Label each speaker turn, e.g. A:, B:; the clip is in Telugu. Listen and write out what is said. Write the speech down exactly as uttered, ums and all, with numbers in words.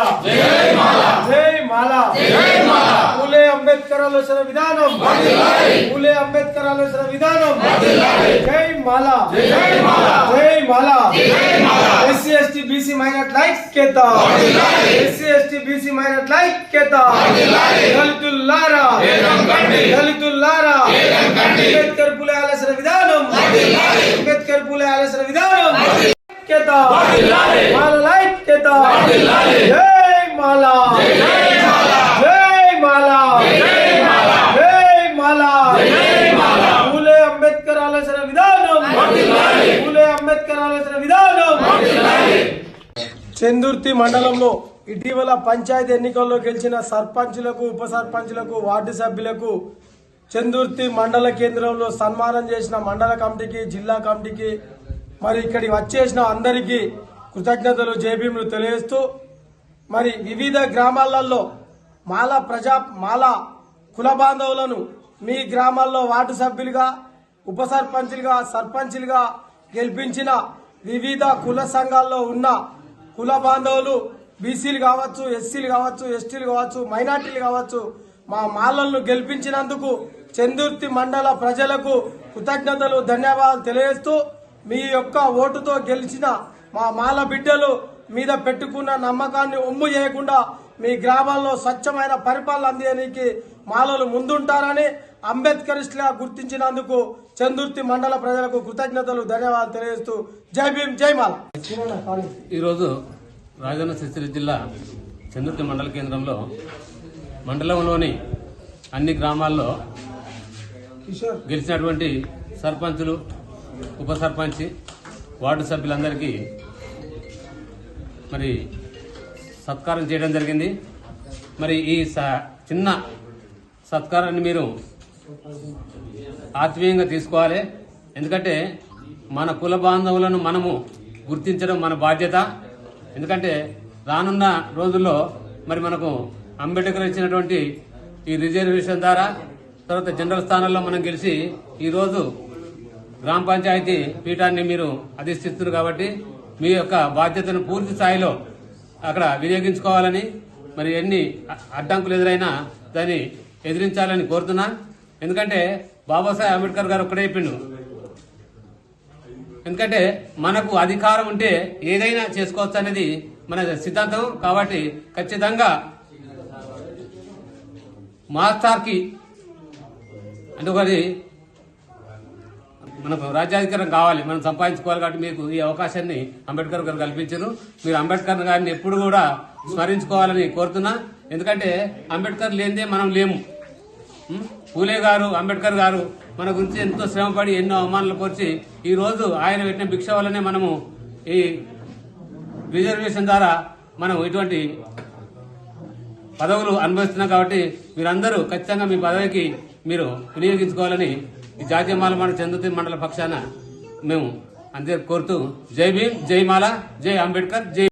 A: జై మాలా జై మాలా జై మాలా పూలే అంబేద్కర్ ఆలోచన విధానం వర్ధిల్లాలి పూలే అంబేద్కర్ ఆలోచన విధానం వర్ధిల్లాలి జై మాలా జై మాలా జై మాలా జై మాలా ఎస్సీ ఎస్టీ బీసీ మైనారిటీ ఐక్యత వర్ధిల్లాలి ఎస్సీ ఎస్టీ బీసీ మైనారిటీ ఐక్యత వర్ధిల్లాలి దళితులారా వేగం కండి దళితులారా వేగం కండి అంబేద్కర్ పూలే ఆలోచన విధానం వర్ధిల్లాలి అంబేద్కర్ పూలే ఆలోచన విధానం ఐక్యత వర్ధిల్లాలి మాలా ఐక్యత వర్ధిల్లాలి జై మాలా జై మాలా జై మాలా జై మాలా జై మాలా జై మాలా పూలే అంబేద్కర్ ఆలోచన విధానం వర్ధిల్లాలి పూలే అంబేద్కర్ ఆలోచన విధానం వర్ధిల్లాలి చందుర్తి మండలంలో ఇటీవల పంచాయతీ ఎన్నికల్లో గెలిచిన సర్పంచులకు ఉప సర్పంచులకు వార్డు సభ్యులకు చందుర్తి మండల కేంద్రంలో సన్మానం చేసిన మండల కమిటీకి జిల్లా కమిటీకి మరి ఇక్కడికి వచ్చేసిన అందరికీ కృతజ్ఞతలు జైభీములు తెలియజేస్తూ మరి వివిధ గ్రామాలలో మాల ప్రజా మాల కుల బాంధవులను మీ గ్రామాల్లో వార్డు సభ్యులుగా ఉప సర్పంచులుగా సర్పంచులుగా గెలిపించిన వివిధ కుల సంఘాల్లో ఉన్న కుల బాంధవులు బీసీలు కావచ్చు ఎస్సీలు కావచ్చు ఎస్టీలు కావచ్చు మైనార్టీలు కావచ్చు మా మాలలను గెలిపించినందుకు చందుర్తి మండల ప్రజలకు కృతజ్ఞతలు ధన్యవాదాలు తెలియజేస్తూ మీ యొక్క ఓటుతో గెలిచిన మా మాల బిడ్డలు మీద పెట్టుకున్న నమ్మకాన్ని ఒమ్ము చేయకుండా మీ గ్రామాల్లో స్వచ్ఛమైన పరిపాలన అందించడానికి మాలలు ముందుంటారని అంబేద్కరిస్టులుగా గుర్తించినందుకు చందుర్తి మండల ప్రజలకు కృతజ్ఞతలు ధన్యవాదాలు తెలియజేస్తూ జై భీమ్ జై మాల.
B: ఈరోజు రాజన్న సిరిసిల్ల జిల్లా చందుర్తి మండల కేంద్రంలో మండలంలోని అన్ని గ్రామాల్లో గెలిచినటువంటి సర్పంచులు ఉప సర్పంచ్ వార్డు సభ్యులందరికీ మరి సత్కారం చేయడం జరిగింది. మరి ఈ చిన్న సత్కారాన్ని మీరు ఆత్మీయంగా తీసుకోవాలి. ఎందుకంటే మన కుల బాంధవులను మనము గుర్తించడం మన బాధ్యత. ఎందుకంటే రానున్న రోజుల్లో మరి మనకు అంబేద్కర్ ఇచ్చినటువంటి ఈ రిజర్వేషన్ ద్వారా తర్వాత జనరల్ స్థానాల్లో మనం గెలిచి ఈరోజు గ్రామ పంచాయతీ పీఠాన్ని మీరు అధిష్టిస్తున్నారు కాబట్టి మీ యొక్క బాధ్యతను పూర్తి స్థాయిలో అక్కడ వినియోగించుకోవాలని మరి ఎన్ని అడ్డంకులు ఎదురైనా దాన్ని ఎదిరించాలని కోరుతున్నా. ఎందుకంటే బాబాసాహెబ్ అంబేద్కర్ గారు ఒక్కడే చెప్పిండు, ఎందుకంటే మనకు అధికారం ఉంటే ఏదైనా చేసుకోవచ్చు అనేది మన సిద్ధాంతం. కాబట్టి ఖచ్చితంగా మాస్టర్కి అంటే ఒకటి మనకు రాజ్యాధికారం కావాలి, మనం సంపాదించుకోవాలి. కాబట్టి మీకు ఈ అవకాశాన్ని అంబేద్కర్ గారు కల్పించారు. మీరు అంబేద్కర్ గారిని ఎప్పుడు కూడా స్మరించుకోవాలని కోరుతున్నా. ఎందుకంటే అంబేద్కర్ లేనిదే మనం లేము. పూలే గారు అంబేద్కర్ గారు మన గురించి ఎంతో శ్రమపడి ఎన్నో అవమానాలు కోర్చి ఈ రోజు ఆయన పెట్టిన భిక్ష వల్లనే మనము ఈ రిజర్వేషన్ ద్వారా మనం ఇటువంటి పదవులు అనుభవిస్తున్నాం. కాబట్టి మీరందరూ ఖచ్చితంగా మీ పదవికి మీరు వినియోగించుకోవాలని ఈ జాతీయ మాల మండల చందుర్తి మండల పక్షాన మేము అందరూ కోరుతూ జై భీమ్ జై మాల జై అంబేద్కర్ జై